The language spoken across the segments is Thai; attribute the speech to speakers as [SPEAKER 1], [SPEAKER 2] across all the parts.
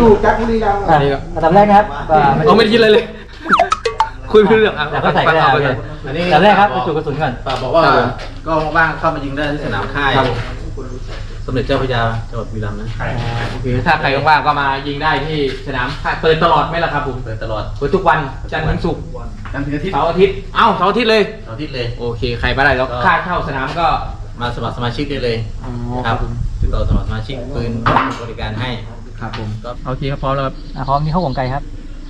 [SPEAKER 1] อยู่จากบุรีรัมย์
[SPEAKER 2] อันดับแรกนะครับ
[SPEAKER 3] เอาไม่ได้คิดเลย คุยไม่รู้เรื่องอ่ะ
[SPEAKER 2] แล้วก็ใส่ก็ได้อันดับแรกครับจุดกระสุนก่อน
[SPEAKER 1] บอกว่าก็ว่างเข้ามายิงได้ที่สนามค่ายสมเด็จเจ้าพระยาจังหวัดบุรีรัมย์นะ
[SPEAKER 3] โอเคถ้าใครว่างๆก็มายิงได้ที่สนามเปิดตลอดไหมล่ะครับผม
[SPEAKER 1] เปิดตลอด
[SPEAKER 3] เปิดทุกวันจันทร์ถึงศุกร์
[SPEAKER 1] จันทร์ถึงอาทิตย์
[SPEAKER 3] เสาร์อาทิตย์เอ้าเสาร์อาทิตย์เลย
[SPEAKER 1] เสาร์อาทิตย์เลย
[SPEAKER 3] โอเคใครมาได้แล้วค่าเข้าสนามก็
[SPEAKER 1] มาสมัครสมาชิกได้เลยครับติดต่อสมัครสมาชิกปืนบริการให้
[SPEAKER 3] ครับผมโอเคครับพร้อมแล้วครับ
[SPEAKER 2] พร้อมนี่เข้าวงไกลครับ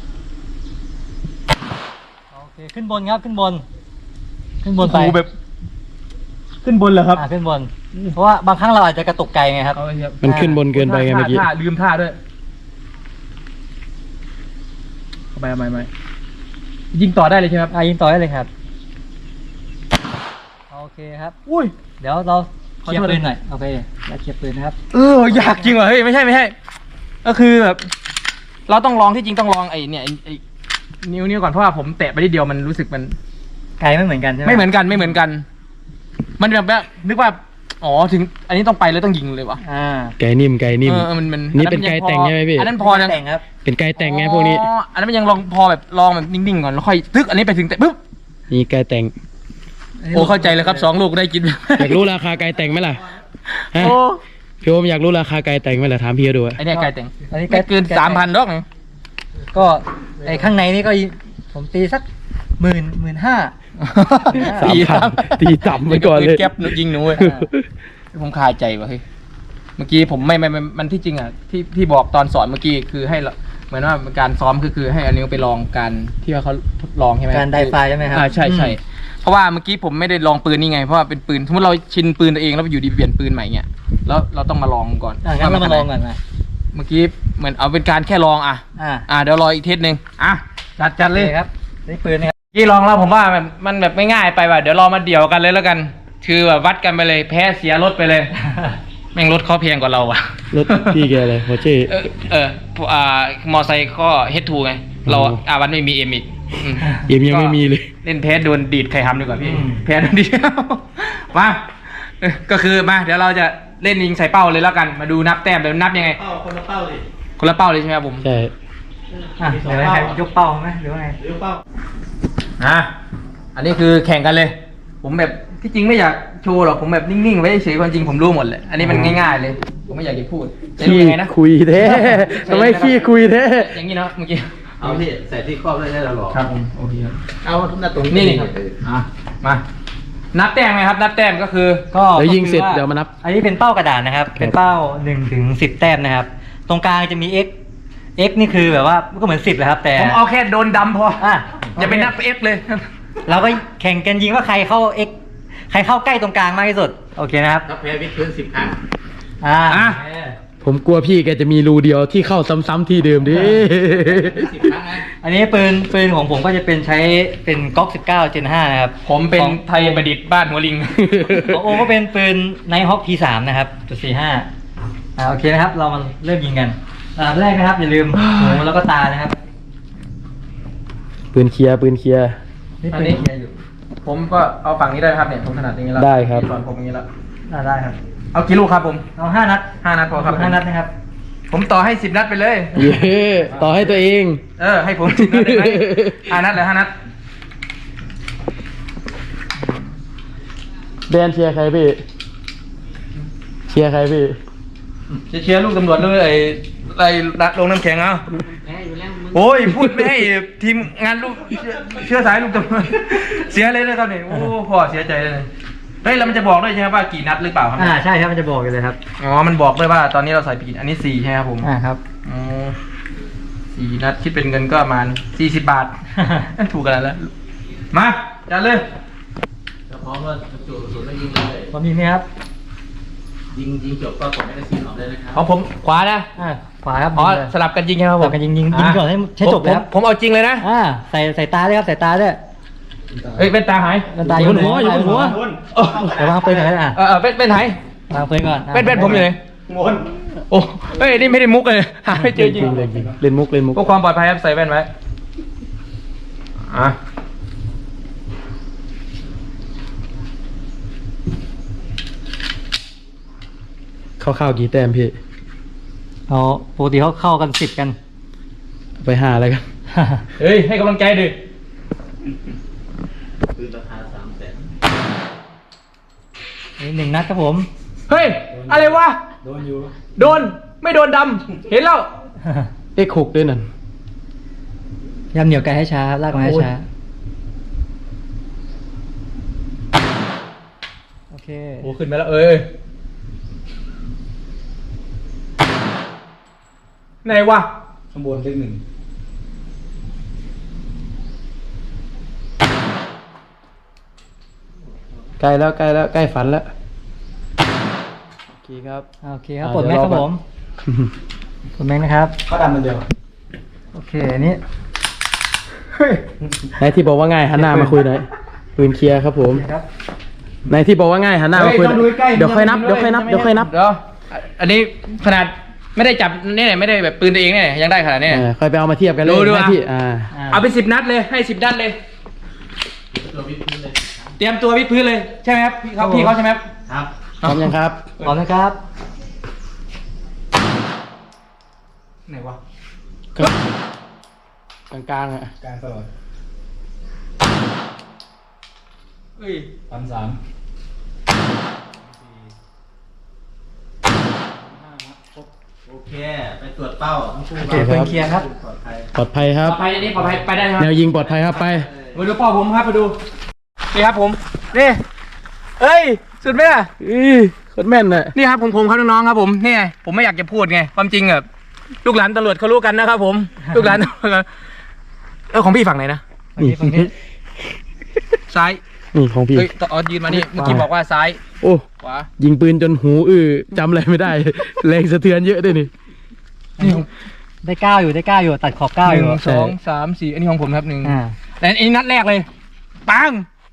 [SPEAKER 2] โอเคขึ้นบนครับขึ้นบนไป
[SPEAKER 3] แบบขึ้นบนเหรอครับ
[SPEAKER 2] ขึ้นบนเพราะว่าบางครั้งเราอาจจะกระตุกไกลไงครับ
[SPEAKER 4] มันขึ้นบนเกินไปไงเมื่อกี้
[SPEAKER 3] ลืมท่าด้วยไม่ยิงต่อได้เลยใช่ไหมครับ
[SPEAKER 2] ยิงต่อได้เลยครับโอเคครับ
[SPEAKER 3] อุ้ย
[SPEAKER 2] เดี๋ยวเราเคลียร์ปืนหน่อยโอเคเราเคลียร์ปืนนะครับ
[SPEAKER 3] อยากจริงเหรอเฮ้ยไม่ใช่ก็คือแบบเราต้องลองที่จริงต้องลองไอ้เนี่ยไอ้นิ้วก่อนเพราะว่าผมแตะไปนิดเดียวมันรู้สึกมัน
[SPEAKER 2] ไกลไม่เหมือนกันใช่ไหม
[SPEAKER 3] ไม่เหมือนกันมันแบบนึกว่าอ๋อถึงอันนี้ต้องไปแล้วต้องยิงเลยวะ
[SPEAKER 4] ไกลนิ่ม
[SPEAKER 3] มัน
[SPEAKER 4] นี่เป็นไกลแต่งใช่ไหมพี่
[SPEAKER 3] อันนั้นพอ
[SPEAKER 2] แต่งครับ
[SPEAKER 4] เป็นไกลแต่งไงพวกนี้
[SPEAKER 3] อันนั้นมันยังลองพอแบบลองแบบนิ่งๆก่อนแล้วค่อยตึกอันนี้ไปถึงแต่ปุ๊บ
[SPEAKER 4] นี่ไกลแต่ง
[SPEAKER 3] โอ้เข้าใจเลยครับ2 ลูกได้กิน
[SPEAKER 4] อยากรู้ราคาไกลแต่งไหมล่ะพี่โอมอยากรู้ราคาไกลแต่งไหมล่ะถามพี่ดู
[SPEAKER 3] ไอ้นี่ไกลแต่งอันนี้เกิน 3,000 ดอก
[SPEAKER 2] ก็ไอ้ข้างในนี่ก็ผมตีสัก15,000
[SPEAKER 4] ตีต่ำไปก่อนเลย
[SPEAKER 3] แก๊ปยิงหนูผมคาใจว่ะเฮ้ยเมื่อกี้ผมไม่มันที่จริงอ่ะที่บอกตอนสอนเมื่อกี้คือให้เหมือนว่าการซ้อมคือให้อันนี้ไปลองการที่ว่าเขาทดลองใช่ไหม
[SPEAKER 2] การไดไฟใช่ไหมครับ
[SPEAKER 3] ใช่เพราะว่าเมื่อกี้ผมไม่ได้ลองปืนนี่ไงเพราะว่าเป็นปืนสมมติเราชินปืนตัวเองแล้วอยู่ดีเปลี่ยนปืนใหม่เงี้ยแล้วเราต้องมาลองก่อน
[SPEAKER 2] งั้นเรามาลองกันนะ
[SPEAKER 3] เมื่อกี้เหมือนเอาเป็นการแค่ลองเดี๋ยวรออีกเทสนึงจัดเลย
[SPEAKER 2] ครับนี่ปืนนะครับ
[SPEAKER 3] กี่ลองแล้วผมว่ามันแบบไม่ง่ายไปว่ะเดี๋ยวรอมาเดี่ยวกันเลยแล้วกันคือแบบวัดกันไปเลยแพ้เสียรถไปเลยแม่งรถเขาเพียงกว่าเราอ่ะ
[SPEAKER 4] รถพี่แกเลยหัวเจ๊
[SPEAKER 3] มอไซค์ก็เฮดทูไงเราวันไม่มีเอ็มอีก
[SPEAKER 4] เอ็มยังไม่มีเลย
[SPEAKER 3] เล่นแพ้โดนดีดใครทำดีกว่าพี่แพ้โดนดีดมาก็คือมาเดี๋ยวเราจะเล่นยิงใส่เป้าเลยแล้วกันมาดูนับแต้มเดี๋ยวนับยังไง
[SPEAKER 1] คนละเป้า
[SPEAKER 3] เลยใช่ไหมครับผม
[SPEAKER 4] ใช่
[SPEAKER 2] เดี๋ยวยกเป้าไหมหรือว่าไง
[SPEAKER 1] ยกเป้า
[SPEAKER 3] อันนี้คือแข่งกันเลยผมแบบที่จริงไม่อยากโชว์หรอกผมแบบนิ่งๆไว้เฉยความจริงผมรู้หมดเลยอันนี้มันง่ายๆเลยผมไม่อยากจะพูดจะดูยังไงนะ
[SPEAKER 4] คุยแท้ทำไมขี้คุยแท้
[SPEAKER 3] อย่างนี้เนาะเมื่อกี้
[SPEAKER 1] เอาที่ใส่ที่ครอบได้แล้วหรอ
[SPEAKER 3] ครับผมโอเค
[SPEAKER 1] เอาทุกหน้าตรง
[SPEAKER 3] นี่มานับแต้มไหมครับนับแต้มก็คือ
[SPEAKER 4] เดี๋ยวยิงเสร็จเดี๋ยวมานับ
[SPEAKER 2] อันนี้เป็นเป้ากระดาษนะครับเป็นเป้า1 ถึง 10 แต้มนะครับตรงกลางจะมี x นี่คือแบบว่าก็เหมือน10เลยครับแต่
[SPEAKER 3] ผมเอาแค่โดนดำพออย่าไปนับ x เลย
[SPEAKER 2] เราก็แข่งกันยิงว่าใครเข้า x ใครเข้าใกล้ตรงกลางมากที่สุดโอเคนะครับ
[SPEAKER 1] ถ้าแพ้วิดพื้น10 ครั้ง
[SPEAKER 4] ผมกลัวพี่แกจะมีรูเดียวที่เข้าซ้ำๆที่เดิมดิ
[SPEAKER 1] 10 ครั้ง
[SPEAKER 2] อันนี้ปืนของผมก็จะเป็นใช้เป็นก๊อก19 Gen 5นะครับ
[SPEAKER 3] ผมเป็นไทยประดิษฐ์บ้านหัวลิง
[SPEAKER 2] ของโอก็เป็นปืนไนท์ฮอค P3 นะครับ.45โอเคนะครับเรามาเริ่มยิงกันแรกนะครับอย่าลืมหูแล้วก็ตานะครับ
[SPEAKER 4] ปืนเคลียร์
[SPEAKER 2] นี่ปืนเคลียร์อยู่
[SPEAKER 3] ผมก็เอาฝั่งนี้ได้ครับเนี่ยผมถนัดอย่างนี้แล้ว
[SPEAKER 4] ได้ครับ
[SPEAKER 3] สอนผมอย่างนี้แล้ว
[SPEAKER 2] ได้ครับ
[SPEAKER 3] เอากี่ลูกครับผม
[SPEAKER 2] เอา5 นัด
[SPEAKER 3] พอครับ
[SPEAKER 2] 5 นัดนะครับ
[SPEAKER 3] ผมต่อให้10 นัดไปเลย
[SPEAKER 4] ต่อให้ตัวเอง
[SPEAKER 3] ให้ผม10 นัดได้ไหม5 นัดหรือ5 นัด
[SPEAKER 4] แดนเชียร์ใครพี่เชียร์
[SPEAKER 3] ลูกตำรวจเลยไอ้ลงน้ำแข็งเอาโอ้ยพูดไม่ให้ทีมงานลูกเชื่อสายลูกตำรวจเสียเลยนะครับเนี่ยโอ้พ่อเสียใจเลยเฮ้ยแล้วมันจะบอกด้วยใช่ไหมว่ากี่นัดหรือเปล่าครับ
[SPEAKER 2] ใช่ครับมันจะบอกเลยครับ
[SPEAKER 3] มันบอกด้วยว่าตอนนี้เราใส่ปีอันนี้4ใช่ไหมครับผม
[SPEAKER 2] ครับ
[SPEAKER 3] 4 นัดคิดเป็นเงินก็ประมาณ40 บาทถูกกันแล้วมาจัดเลย
[SPEAKER 1] พร้อมว่าจุดศูนย์แล้วยิงเลย
[SPEAKER 2] พร้อมยิงไหมครับ
[SPEAKER 1] ยิงจบก็กดให้ได้4 ออกเลยนะครับ
[SPEAKER 3] ของผมขวานะ
[SPEAKER 2] ขวาครับ
[SPEAKER 3] สลับกันยิงครับผม
[SPEAKER 2] สลับกันยิงก่อนให้จบแล้ว
[SPEAKER 3] ผมเอาจริงเลยนะ
[SPEAKER 2] ใส่ตาด้วยครับใส่ตาด้วย
[SPEAKER 3] เป็นตาหาย
[SPEAKER 2] เป็นตาอยู่หัวเดี๋ยววางปืนก่อนนะ
[SPEAKER 3] เป็นไหน
[SPEAKER 2] วางปืนก่อน
[SPEAKER 3] เป็นผมอยู่ไหน
[SPEAKER 1] งน
[SPEAKER 3] โอ้เฮ้ยนี่ไม่ได้มุกเลยหาไม่เจอจริง
[SPEAKER 4] เล่นมุกเ
[SPEAKER 3] พื่อความปลอดภัยครับใส่แว่นไว้
[SPEAKER 4] คร่าวๆกี่แต้มพี่
[SPEAKER 2] อ๋อปกติเขาเข้ากัน10กัน
[SPEAKER 4] ไปหาอะไรกัน
[SPEAKER 3] เฮ้ยให้กำลังใจดิ
[SPEAKER 1] ปืนราคา300,000
[SPEAKER 2] นี่1 นัดครับผม
[SPEAKER 3] เฮ้ยอะไรวะ
[SPEAKER 2] โดนอยู่
[SPEAKER 3] โดนไม่โดนดำเห็นแล้ว
[SPEAKER 4] X6 ด้วยนั่น
[SPEAKER 2] ยำเหนียวไก่ให้ช้าลากมาให้ช้าโอเค
[SPEAKER 3] โอ้ขึ้นมาแล้วเอ้ยไหนวะ
[SPEAKER 1] ข้างบนเลข 1
[SPEAKER 4] ใกล้แล้วใกล้ฝันแล้วโอเคครับ
[SPEAKER 2] โอเคครับกดแม็กครับผมกดแม็กนะครับ
[SPEAKER 1] เขาดำมันเดียว
[SPEAKER 2] โอเคอันนี้
[SPEAKER 4] ไหนที่บอกว่าง่ายหันหน้ามาคุยหน่อยปืนเคลียร์ครับผม
[SPEAKER 2] ครับ
[SPEAKER 4] ไหนที่บอกว่าง่ายหันหน้ามาคุยหน่อยเดี๋ยวค่อยนับ
[SPEAKER 3] เดี๋ยวอันนี้ขนาดไม่ได้จับนี่ไม่ได้แบบปืนตัวเองเนี่ยยังได้ขนาดนี้
[SPEAKER 4] ค่อยไปเอามาเทียบกันเลย
[SPEAKER 3] ดู
[SPEAKER 4] หน้าที่
[SPEAKER 3] เอาไป10 นัดเลยให้10 นัดเลย
[SPEAKER 1] ตัววิทย์พื้นเลย
[SPEAKER 3] เตรียมตัววิดพื้นเลยใช่ไหมครับพี่เขาใช่ไหมครับ
[SPEAKER 1] ครับ
[SPEAKER 4] พร้อมยังครับ
[SPEAKER 2] พร้อมนะครับ
[SPEAKER 3] ไหนวะ
[SPEAKER 4] กลางๆอ่ะ
[SPEAKER 1] กลางตลอด
[SPEAKER 3] เฮ้ย
[SPEAKER 1] 3,300 โอเค ไปตรวจเป้าทั้งคู่
[SPEAKER 2] โอเคปืนเคลียร์ครับ
[SPEAKER 1] ปลอดภัย
[SPEAKER 4] ปลอดภัยครับ
[SPEAKER 3] ปลอดภัยอันนี้ปลอดภัยไปได้ไหมค
[SPEAKER 4] แน
[SPEAKER 3] รับ
[SPEAKER 4] วยิงปลอดภัยครับไป
[SPEAKER 3] มาดูพ่อผมครับมาดูนี่ครับผมนี่เอ้ยสุดไหมล่ะ
[SPEAKER 4] โคตรแม่นน่ะ
[SPEAKER 3] นี่ครับผมครับน้องๆครับผมนี่ไงผมไม่อยากจะพูดไงความจริงแบบลูกหลานตำรวจเขารู้กันนะครับผม ลูกหลานตำรวจของพี่ฝั่งไหนนะ
[SPEAKER 2] ฝั่งนี้
[SPEAKER 3] ซ้าย
[SPEAKER 4] นี่ของพี่
[SPEAKER 3] เฮ้ยต่อยืนมานี่เมื่อกี้บอกว่าซ้าย
[SPEAKER 4] โอ้
[SPEAKER 3] ขวา
[SPEAKER 4] ยิงปืนจนหูจำอะไรไม่ได้ แรงสะเทือนเยอะด้วยนี่
[SPEAKER 3] นี่ของ
[SPEAKER 2] ได้9อยู่ตัดขอบ9อยู่
[SPEAKER 3] 1 2 3 4อันนี้ของผมครับ1
[SPEAKER 2] อ่า
[SPEAKER 3] แต่อันนี้นัดแรกเลยปัง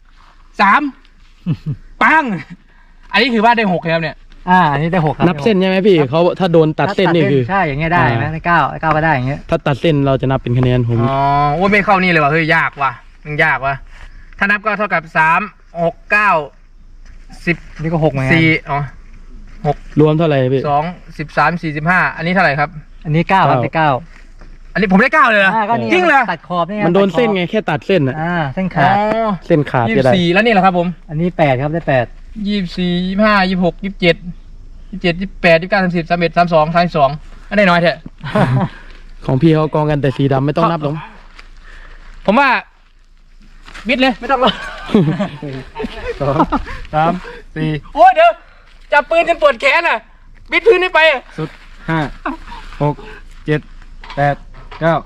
[SPEAKER 3] 3ปังอันนี้ถือว่าได้6ครับเนี่ย
[SPEAKER 2] อันนี้ได้6ครับ
[SPEAKER 4] นับเส้นใช่ไหมพี่เขาถ้าโดนตัดเส้นนี่คือ
[SPEAKER 2] ใช่อย่างเงี้ยได้ไหมได้9ก็ได้อย่างเงี้ย
[SPEAKER 4] ถ้าตัดเส้นเราจะนับเป็นคะแนนผม
[SPEAKER 3] อ๋อโอ้ยไม่เข้านี่เลยว่ะเฮ้ยยากว่ะมันยากว่ะถ้านับก็เท่ากับ3 6 9 10
[SPEAKER 2] นี่ก็6เหมือนกัน
[SPEAKER 3] 4อ๋อ
[SPEAKER 4] รวมเท่าไหร่พี่
[SPEAKER 3] 2 13 45อันนี้เท่าไหร่ครับ
[SPEAKER 2] อันนี้9ครับได้9
[SPEAKER 3] อันนี้ผมได้9เลยเหรอ
[SPEAKER 2] ก็นี่
[SPEAKER 3] จริงเหรอ
[SPEAKER 2] ตัดขอบนี่ไง
[SPEAKER 4] มันโดน
[SPEAKER 2] ตัขอบ
[SPEAKER 4] เส้นไงแค่ตัดเส้นอ่ะ
[SPEAKER 2] เส้น
[SPEAKER 3] อ๋
[SPEAKER 2] ขาด
[SPEAKER 3] อ
[SPEAKER 4] เส้นขาดจะได้
[SPEAKER 3] 24แล้วนี่แหละครับผม
[SPEAKER 2] อันนี้8ครับได้8
[SPEAKER 3] 24 25 26 27 27 28 29 30 31 32 32อันไหนน้อยเถอะ
[SPEAKER 4] ของพี่เขากองกันแต่สีดำไม่ต้องนับหรอก
[SPEAKER 3] ผมว่าบิดเลยไม่ต้องหรอก
[SPEAKER 4] 2 3 4
[SPEAKER 3] โอ้ยเดี๋ยวจับปืนจนปวดแขนอ่ะ บิดพื้นไม่ไปอะ
[SPEAKER 4] สุด5 6 7 8 9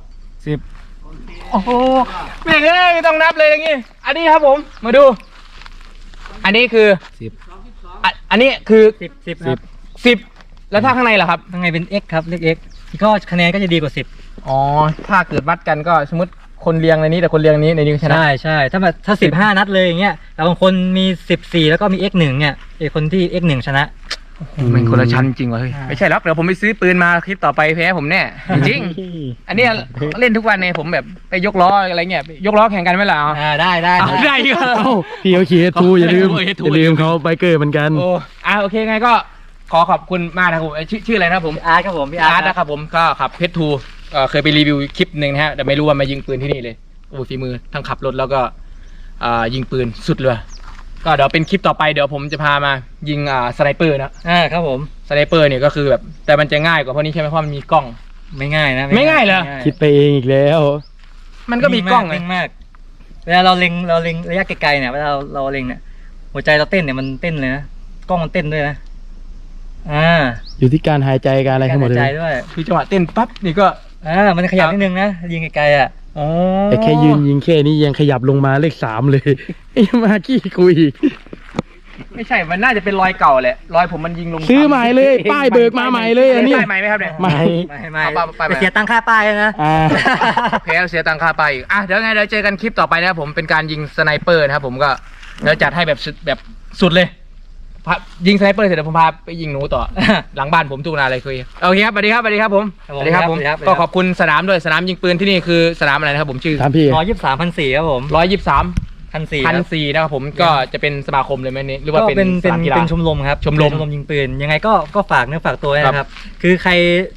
[SPEAKER 4] 10
[SPEAKER 3] โอ้โหแม่งเอ้ยไม่ต้องนับเลยอย่างงี้ อันนี้ครับผมมาดู อันนี้คือ อันนี้คือ
[SPEAKER 2] 10ครับ
[SPEAKER 3] 10แล้วถ้าข้างในล่ะครับ
[SPEAKER 2] ข้างในเป็น x ครับเลข x ก็คะแนนก็จะดีกว่า10
[SPEAKER 3] อ๋อถ้าเกิดวัดกันก็สมมติคนเรียงในนี้แต่คนเรียงในนี้ก็ชนะ
[SPEAKER 2] ใช่ถ้า15 นัดเลยอย่างเงี้ยแต่บางคนมี14แล้วก็มี x 1เนี่ยไอคนที่ x 1ชนะ
[SPEAKER 3] มันคนละชั้นจริงวะเฮ้ย
[SPEAKER 2] อ่า
[SPEAKER 3] ไม่ใช่หรอกเดี๋ยวผมไปซื้อปืนมาคลิปต่อไปแพ้ผมแน่ จริง อันเนี้ยเล่นทุกวันเนี่ยผมแบบไปยกล้ออะไรเงี้ยยกล้อแข่งกันไหมล่ะเอา
[SPEAKER 2] ได้
[SPEAKER 3] เอาได้ก็
[SPEAKER 4] เอ้าพี่เขาขี่ทูอย่าลืม
[SPEAKER 3] โอ้ย
[SPEAKER 4] อย่าลืมเขาไบเกอร์เหมือนกัน
[SPEAKER 3] โอ้โอเคไงก็ขอขอบคุณมากนะครับผมชื่ออะไรนะครับผม
[SPEAKER 2] อาร์ตครับผมพี่
[SPEAKER 3] อา
[SPEAKER 2] อา
[SPEAKER 3] ร์
[SPEAKER 2] ร์
[SPEAKER 3] ต
[SPEAKER 2] ต
[SPEAKER 3] นะครับผมก็ขับเพชรทูเคยไปรีวิวคลิปหนึ่งนะฮะแต่ไม่รู้ว่ามายิงปืนที่นี่เลยโอ้ฝีมือทั้งขับรถแล้วก็ยิงปืนสุดเลยก็เดี๋ยวเป็นคลิปต่อไปเดี๋ยวผมจะพามายิงสไนเปอร์นะ
[SPEAKER 2] ครับผม
[SPEAKER 3] สไนเปอร์เนี่ยก็คือแบบแต่มันจะง่ายกว่าเพราะนี้ใช่ไหมเพราะมันมีกล้อง
[SPEAKER 2] ไม่ง่ายนะ
[SPEAKER 3] ไม่ง่ายเหรอ
[SPEAKER 4] คิดไปเองอีกแล้ว
[SPEAKER 3] มันก็มีกล้องไง
[SPEAKER 2] นิ่มากเวลาเราเล็งระยะไกลๆเนี่ยเวลาเราเล็งเนี่ยหัวใจเราเต้นเนี่ยมันเต้นเลยนะกล้องมันเต้นด้วยนะ
[SPEAKER 4] อยู่ที่การหายใจการอะไรทั้งหมด
[SPEAKER 2] กา
[SPEAKER 4] เล
[SPEAKER 2] หาย
[SPEAKER 4] ย
[SPEAKER 2] ใจด้วย
[SPEAKER 3] คือจังหวะเต้นปั๊บนี่ก็
[SPEAKER 2] มันขยับนิดนึงนะยิงไกลๆอ่ะ
[SPEAKER 3] อ๋อ
[SPEAKER 4] แต่แค่ยืนยิงแค่นี้ยังขยับลงมาเลข3เลย ไอ้มาขี้คุย
[SPEAKER 3] ไม่ใช่มันน่าจะเป็นรอยเก่าแหละรอยผมมันยิงลง
[SPEAKER 4] ซื้อใหม่เลย ป้ายเบิกมาใหม่เลยอันนี้
[SPEAKER 3] ป้ายใหม่ไหมครับเนี่ย
[SPEAKER 4] ใหม่
[SPEAKER 2] ไม่
[SPEAKER 3] เอาไป
[SPEAKER 2] แต่เสียตังค่าป้ายนะ
[SPEAKER 3] แพ้เสียตังค่าไปอีกเดี๋ยวไงเดี๋ยวเจอกันคลิปต่อไปนะครับผมเป็นการยิงสไนเปอร์นะครับผมก็เดี๋ยวจัดให้แบบสุดเลยยิงสไนเปอร์เสร็จเดี๋ยวผมพาไปยิงหนูต่อ หลังบ้านผมทุกนาเลยคุยโอเคครับสวัสดีครับผมก็ขอบคุณสนามด้วยสนามยิงปืนที่นี่คือสนามอะไรนะครับผมชื่อ
[SPEAKER 4] ถามพี่
[SPEAKER 2] 123,400ครับผม
[SPEAKER 3] 123 1,400นะครับผมก็จะเป็นสมาคมเลยไหมนี่หรือว่า
[SPEAKER 2] ก็
[SPEAKER 3] เป็นสนามกีฬา
[SPEAKER 2] เป็นชมรมครับ
[SPEAKER 3] ชมรม
[SPEAKER 2] ยิงปืนยังไงก็ฝากเนื้อฝากตัวด้วย
[SPEAKER 3] ครั
[SPEAKER 2] นะครับ
[SPEAKER 3] บ
[SPEAKER 2] คือใคร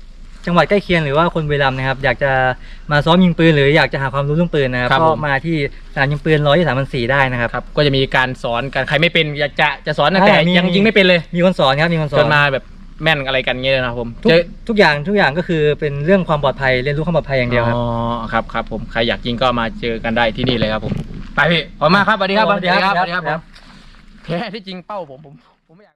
[SPEAKER 2] จังหวัดใกล้เคียงหรือว่าคนบุรีรัมย์นะครับอยากจะมาซ้อมยิงปืนหรืออยากจะหาความรู้เรื่องปืนนะครับ
[SPEAKER 4] ครับ
[SPEAKER 2] ก็
[SPEAKER 4] ผม
[SPEAKER 2] มาที่สนามยิงปืน123-4ได้นะครับ
[SPEAKER 4] ครับก็จะมีการสอนกันใครไม่เป็นอยากจะสอนนะแต่
[SPEAKER 2] มี
[SPEAKER 4] ยังยิงไม่เป็นเลย
[SPEAKER 2] มีคนสอนครับมีคนสอ
[SPEAKER 4] จ
[SPEAKER 2] น
[SPEAKER 4] นมาแบบแม่นอะไรกันเงี้ยนะครับผม
[SPEAKER 2] ทุกอย่างก็คือเป็นเรื่องความปลอดภัยเรียนรู้ความปลอดภัยอย่างเดียวครับ
[SPEAKER 4] อ๋อครับผมใครอยากยิงก็มาเจอกันได้ที่นี่เลยครับผมไปพี่ขอบคุณมากครับสวัสดีครับ
[SPEAKER 2] สวัสดีครับ
[SPEAKER 4] สวัสดีครับผมแท้ที่จริงเป้าผมไม่อยาก